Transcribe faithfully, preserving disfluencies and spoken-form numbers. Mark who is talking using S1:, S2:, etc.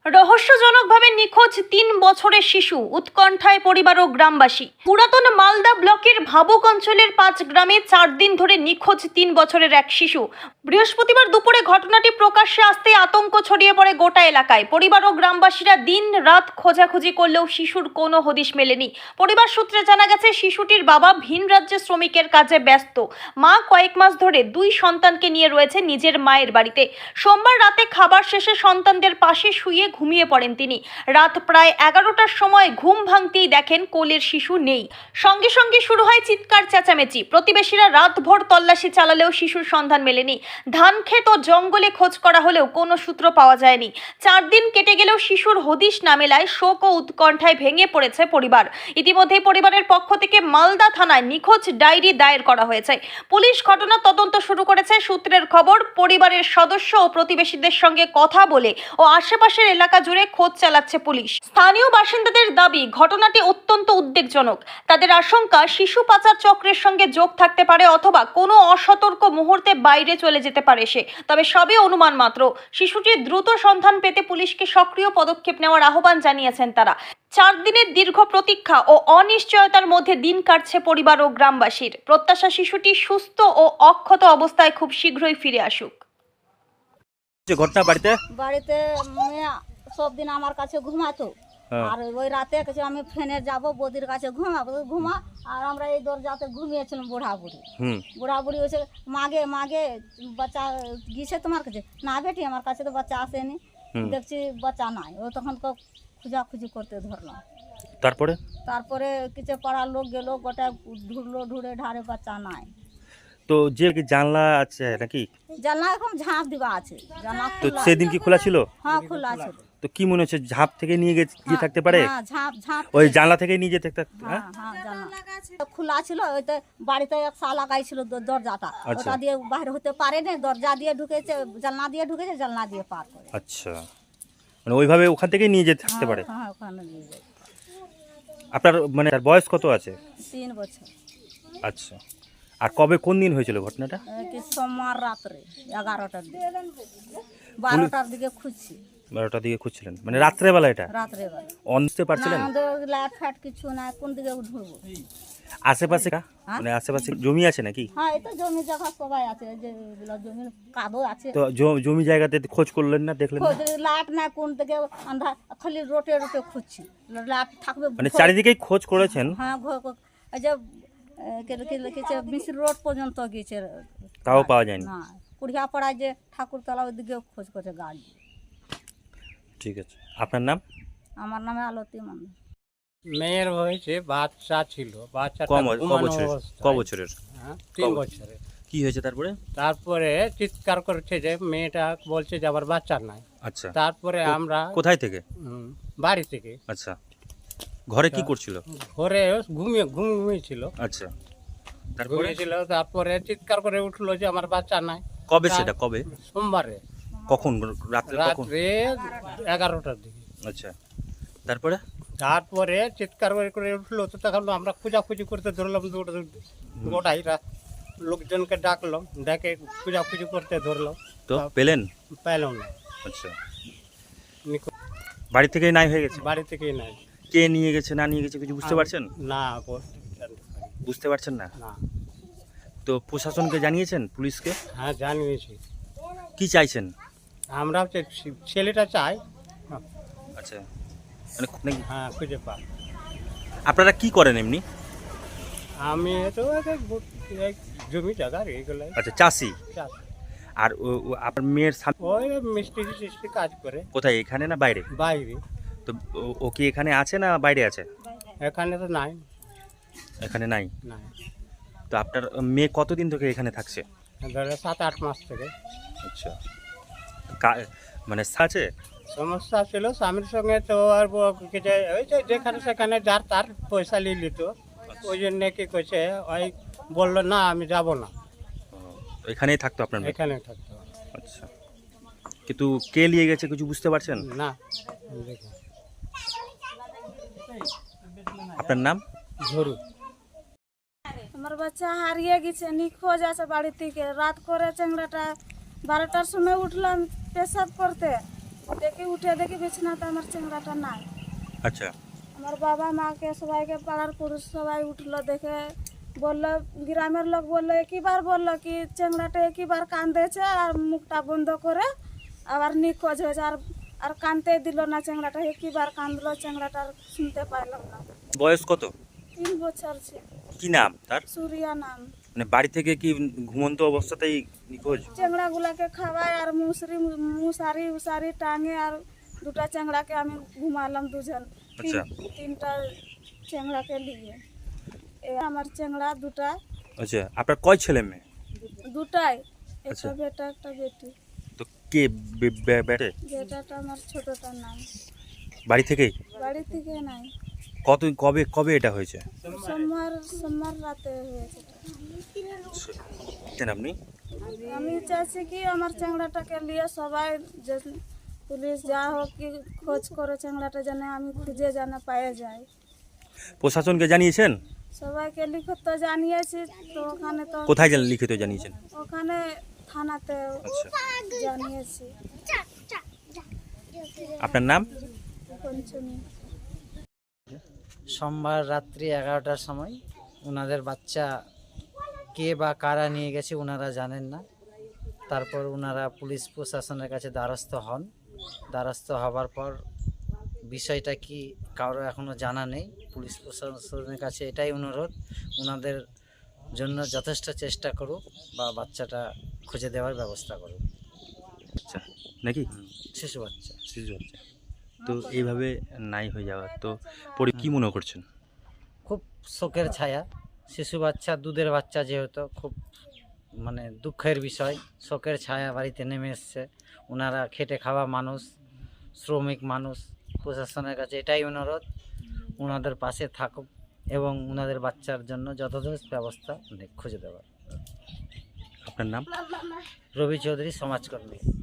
S1: রহস্যজনকভাবে নিখোঁজ তিন বছরের শিশু, উৎকণ্ঠায় পরিবার ও গ্রামবাসী। পুরাতন মালদা ব্লকের ভাবুক অঞ্চলের পাঁচ গ্রামে চার দিন ধরে নিখোঁজ তিন বছরের এক শিশু। বৃহস্পতিবার দুপুরে ঘটনাটি প্রকাশ্যে আসতে আতঙ্ক ছড়িয়ে পড়ে গোটা এলাকায়। পরিবার ও গ্রামবাসীরা দিন রাত খোঁজাখুঁজি করলেও শিশুর কোনো হদিশ মেলেনি। পরিবার সূত্রে জানা গেছে, শিশুটির বাবা ভিন রাজ্যে শ্রমিকের কাজে ব্যস্ত। মা কয়েক মাস ধরে দুই সন্তানকে নিয়ে রয়েছে নিজের মায়ের বাড়িতে। সোমবার রাতে খাবার শেষে সন্তানদের পাশে শুয়ে ঘুমিয়ে পড়েন তিনি। রাত প্রায় এগারোটার সময় ঘুম ভাঙতেই দেখেন কোলের শিশু নেই। সঙ্গে সঙ্গে শুরু হয় চিৎকার চেঁচামেচি। প্রতিবেশীরা রাতভর তল্লাশি চালালেও শিশুর সন্ধান মেলেনি। ধান ক্ষেত ও জঙ্গলে খোঁজ করা হলেও কোনো সূত্র পাওয়া যায়নি। চার দিন কেটে গেলেও শিশুর হদিশ না মেলায় শোক ও উৎকণ্ঠায় ভেঙে পড়েছে পরিবার। ইতিমধ্যেই পরিবারের পক্ষ থেকে মালদা থানায় নিখোঁজ ডায়েরি দায়ের করা হয়েছে। পুলিশ ঘটনা তদন্ত শুরু করেছে। সূত্রের খবর, পরিবারের সদস্য ও প্রতিবেশীদের সঙ্গে কথা বলে ও আশেপাশের এলাকা জুড়ে খোঁজ চালাচ্ছে পুলিশ। স্থানীয় বাসিন্দাদের দাবি, ঘটনাটি অত্যন্ত উদ্বেগজনক। তাদের আশঙ্কা, শিশু পাচার চক্রের সঙ্গে যোগ থাকতে পারে অথবা কোনো অসতর্ক মুহূর্তে বাইরে চলে যেতে পারে সে। তবে সবই অনুমান মাত্র। শিশুটির দ্রুত সন্ধান পেতে পুলিশকে সক্রিয় পদক্ষেপ নেওয়ার আহ্বান জানিয়েছেন তারা। চার দিনের দীর্ঘ প্রতীক্ষা ও অনিশ্চয়তার মধ্যে দিন কাটছে পরিবার ও গ্রামবাসীর। প্রত্যাশা, শিশুটি সুস্থ ও অক্ষত অবস্থায় খুব শীঘ্রই ফিরে আসুক।
S2: ঘটনা বাড়িতে
S3: বাড়িতে মেয়ে সব দিন আমার কাছে ঘুমাতো, আর ওই রাতে কাছে আমি ফেনে যাব বদির কাছে ঘুমাবো, ঘুমা আর আমরা এই দরজাতে ঘুমিয়েছিলাম। বুড়া বুড়ি বুড়া বুড়ি হয়েছে, মাগে মাগে বাচ্চা গিয়েছে তোমার কাছে? না বেটি, আমার কাছে তো বাচ্চা আসেনি। দেখছি বাচ্চা নাই। ও তখন খুঁজাখুঁজি করতে ধরলাম।
S2: তারপরে
S3: তারপরে কিছু পাড়ার লোক গেল, গোটা ঢুকলো, ঢুড়ে ঢারে বাচ্চা নাই।
S2: তো যে কি জানলা আছে নাকি?
S3: জানলা এখন ঝাঁপ দিবা আছে। জানলা
S2: তো সেদিন কি খোলা ছিল?
S3: হ্যাঁ, খোলা ছিল।
S2: তো কি মনে হচ্ছে, ঝাঁপ থেকে নিয়ে গিয়ে থাকতে পারে?
S3: হ্যাঁ, ঝাঁপ ঝাঁপ
S2: ওই জানলা থেকে নিয়ে যেতে?
S3: হ্যাঁ হ্যাঁ, জানলা খোলা ছিল। ওইতে বাড়িতে এক শাল লাগাইছিল দরজাটা, ওটা দিয়ে বাইরে হতে পারে না। দরজা দিয়ে ঢুকেছে, জানলা দিয়ে ঢুকেছে, জানলা দিয়ে পার করে।
S2: আচ্ছা, মানে ওইভাবে ওখান থেকে নিয়ে যেতে থাকতে পারে?
S3: হ্যাঁ, ওখানে নিয়ে যায়।
S2: আপনার মানে তার বয়স কত আছে?
S3: তিন বছর।
S2: আচ্ছা, আর কবে কোন দিন হয়েছিল ঘটনাটা?
S3: কি সোমবার রাত্রে এগারোটার দিকে, বারোটার দিকে খুঁজছি।
S2: বারোটার দিকে খুঁজছিলেন, মানে রাত্রেবেলা? এটা
S3: রাত্রেবেলা
S2: অনতে পারছিলেন?
S3: লাইট ফাট কিছু না, কোন দিকে ঢুকবো?
S2: আশেপাশে মানে আশেপাশে জমি আছে নাকি?
S3: হ্যাঁ, এই তো জমি জায়গা সবাই আছে, যে জমি কাদো আছে।
S2: তো জমি জায়গাতে খোঁজ করলেন না, দেখলেন না?
S3: লাইট না, কোন দিকে আন্ধা, খালি রোটে রোটে খুঁজছি। লাইট থাকবে
S2: মানে চারিদিকেই খোঁজ করেছেন?
S3: হ্যাঁ, এই যে মিশ্র রোড পর্যন্ত গিয়েছে,
S2: তাও পাওয়া যায়নি?
S3: না, কুড়িয়া পাড়ায় যে ঠাকুরতলা ওইদিকে খোঁজ করছে গাড়ি।
S2: ঠিক আছে, আপনার নাম?
S3: আমার নামে আলতি মন্ডল।
S4: মেয়ের হয়েছে, বাচ্চা ছিল, বাচ্চাটা
S2: ক বছরের?
S4: হ্যাঁ, তিন বছরের।
S2: কি হয়েছে তারপরে?
S4: তারপরে চিৎকার করছে যে মেয়েটা বলছে যে আমার বাচ্চা নাই।
S2: আচ্ছা,
S4: তারপরে আমরা
S2: কোথায় থেকে?
S4: হুম, বাড়ি থেকে।
S2: আচ্ছা, ঘরে কি করছিল?
S4: ঘরে ঘুমিয়ে ঘুম ঘুমিয়েছিল।
S2: আচ্ছা, তারপরে
S4: ঘুমিয়েছিল, তারপরে চিৎকার করে উঠলো যে আমার বাচ্চা নাই।
S2: কবে সেটা? কবে?
S4: সোমবারে।
S2: কখন? রাত্রে? কখন?
S4: রাত্রে এগারোটার দিকে।
S2: আচ্ছা, তারপরে?
S4: তারপরে চিৎকার করে করে উঠলো, তো তখন আমরা খোঁজাখুঁজি করতে ধরলাম। গোটাই লোকজনকে ডাকলাম, ডেকে খোঁজাখুঁজি করতে ধরলাম।
S2: তো পেলেন?
S4: পেলাম না।
S2: আচ্ছা, বাড়ি থেকেই নাই হয়ে গেছে?
S4: বাড়ি থেকেই নাই।
S2: কে নিয়ে গেছে না নিয়ে গেছে কিছু বুঝতে পারছেন?
S4: না,
S2: বুঝতে পারছেন না?
S4: না।
S2: তো প্রশাসনকে জানিয়েছেন, পুলিশকে?
S4: হ্যাঁ, জানিয়েছি।
S2: কি চাইছেন?
S4: আমরা ছেলেটা চাই।
S2: আচ্ছা, মানে
S4: হ্যাঁ, খুঁজে পা।
S2: আপনারা কি করেন এমনি?
S4: আমি তো জমি জায়গা এইগুলো।
S2: আচ্ছা, চাষি। আর আপনার মেয়ের
S4: ওই মিস্ত্রি টিস্ত্রি কাজ করে।
S2: কোথায়, এখানে না বাইরে?
S4: বাইরে।
S2: তো ও কি এখানে আছে না বাইরে আছে?
S4: এখানে তো নাই।
S2: এখানে নাই?
S4: নাই।
S2: তো আপনার মেয়ে কতদিন থেকে এখানে থাকছে?
S4: ধরে সাত আট মাস থেকে।
S2: আচ্ছা, মানে আছে
S4: সমস্যা ছিল স্বামীর সঙ্গে, তো আর ওই যে যেখানে সেখানে যার তার পয়সা নিয়ে নিত। ওই জন্য কি করছে, ওই বললো না আমি যাব না,
S2: এখানেই থাকতো আপনার মেয়ে?
S4: এখানে থাকতো।
S2: আচ্ছা, কিন্তু কে নিয়ে গেছে কিছু বুঝতে পারছেন
S4: না?
S2: আপনার নাম?
S4: ঝরু।
S5: আমার বাচ্চা হারিয়ে গেছে, নিখোঁজ আছে বাড়ি থেকে। রাত করে চ্যাংড়াটা বারোটার সময় উঠলাম পেশাব করতে, দেখে উঠে দেখি বিছানাতে আমার চেংড়াটা নাই।
S2: আচ্ছা
S5: আমার বাবা মাকে সবাইকে পাড়ার পুরুষ সবাই উঠলো দেখে বললো, গ্রামের লোক বললো, একইবার বললো কি চেংড়াটা একইবার কান্দেছে আর মুখটা বন্ধ করে আবার নিখোঁজ হয়েছে। আর আর কানতে দিল না চেংড়াটা, একইবার কান্দলো চেংড়াটা, আর শুনতে পাইলাম না।
S2: বয়স কত?
S5: তিন বছর ছিল।
S2: কি নাম তার?
S5: সুরিয়া নাম।
S2: মানে বাড়ি থেকে কি ঘুমন্ত অবস্থাতেই নিখোঁজ?
S5: চেংড়াগুলাকে খাওয়ায় আর মুসরি মুসারি উসারি টাঙে আর দুটা চেংড়াকে আমি ঘুমালাম দুজন। তিন-
S2: আচ্ছা।
S5: তিনটা চেংড়াকে নিয়ে এ আমার চেংড়া দুটা
S2: আচ্ছা আপনার কয় ছেলে মেয়ে?
S5: দুটাই,
S2: আচ্ছা।
S5: একটা বেটা একটা বেটি।
S2: তো কে বে- বে- বেটে?
S5: বেটাটা আমার ছোটটার নাম।
S2: বাড়ি থেকেই?
S5: বাড়ি থেকে নাই,
S2: কত কবে কবে এটা হয়েছে?
S5: সোমবার সোমবার রাতে হয়েছে এটা।
S2: জানেন আপনি?
S5: আমি চাইছি কি আমার চেংড়াটাকে নিয়ে সবাই যে পুলিশ যা হোক কি খোঁজ করে চেংড়াটা যেন আমি খুঁজে যেন পায়ে যাই।
S2: প্রশাসনকে জানিয়েছেন?
S5: সবাইকে লিখত তো জানিয়েছি, তো ওখানে তো
S2: কোথায় জান লিখিত জানিয়েছেন?
S5: ওখানে থানাতে
S2: আচ্ছা
S5: জানিয়েছি।
S2: আপনার নাম?
S5: পঞ্চমী।
S6: সোমবার রাত্রি এগারোটার সময় ওনাদের বাচ্চা কে বা কারা নিয়ে গেছে ওনারা জানেন না। তারপর ওনারা পুলিশ প্রশাসনের কাছে দ্বারস্থ হন। দ্বারস্থ হবার পর বিষয়টা কি কারো এখনও জানা নেই। পুলিশ প্রশাসনের কাছে এটাই অনুরোধ, ওনাদের জন্য যথেষ্ট চেষ্টা করুক বা বাচ্চাটা খুঁজে দেওয়ার ব্যবস্থা করুক।
S2: আচ্ছা নাকি
S6: শিশু বাচ্চা।
S2: শিশু বাচ্চা তো এইভাবে নাই হয়ে যাওয়া তো পরে কি মনে করছেন?
S6: খুব শোকের ছায়া। শিশু বাচ্চা, দুধের বাচ্চা যেহেতু, খুব মানে দুঃখের বিষয়। শোকের ছায়া বাড়িতে নেমে এসছে। ওনারা খেটে খাওয়া মানুষ, শ্রমিক মানুষ। প্রশাসনের কাছে এটাই অনুরোধ, ওনাদের পাশে থাকুক এবং ওনাদের বাচ্চার জন্য যথাযথ ব্যবস্থা খুঁজে দেওয়ার।
S2: আপনার নাম?
S6: রবি চৌধুরী, সমাজকর্মী।